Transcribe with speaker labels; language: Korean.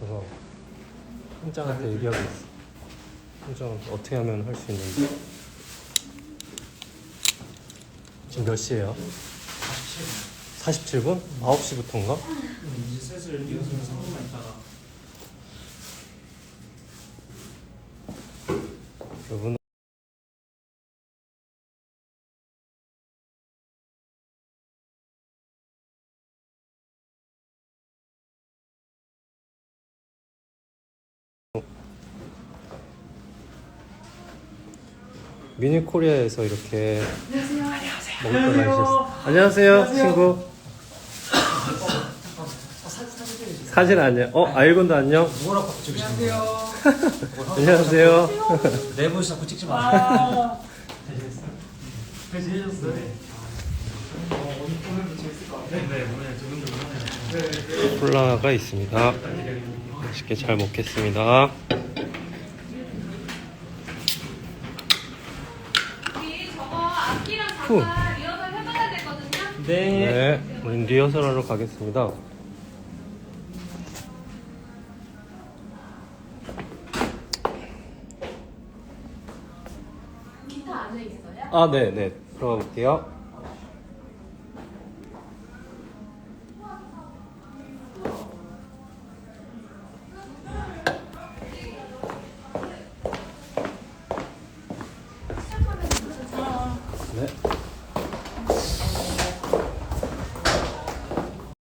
Speaker 1: 그래서 팀장한테 얘기하고 있어. 팀장 어떻게 하면 할 수 있는지. 지금 몇 시에요? 47분? 9시부터인가?
Speaker 2: 이제 슬슬 리허설 3분만 있다가
Speaker 1: 여러분 미니코리아에서 이렇게 먹을 걸 마셨어. 안녕하세요, 친구. 사진 안녕. 아일곤도 안녕.
Speaker 2: 누구라고 찍으시는 거예요?
Speaker 1: 안녕하세요.
Speaker 2: 내부 자꾸 찍지 마세요.
Speaker 3: 잘 지내셨어요?
Speaker 2: 네.
Speaker 3: 오늘도 재밌을 것 같아요.
Speaker 2: 네, 오늘 두근두근 하네요.
Speaker 1: 콜라가 있습니다. 맛있게 잘 먹겠습니다.
Speaker 4: 우리 저거 악기랑
Speaker 1: 후.
Speaker 4: 잠깐 리허설 해봐야 되거든요.
Speaker 1: 네, 우린 리허설하러 가겠습니다.
Speaker 4: 기타 안에 있어요?
Speaker 1: 아, 네. 들어가 볼게요.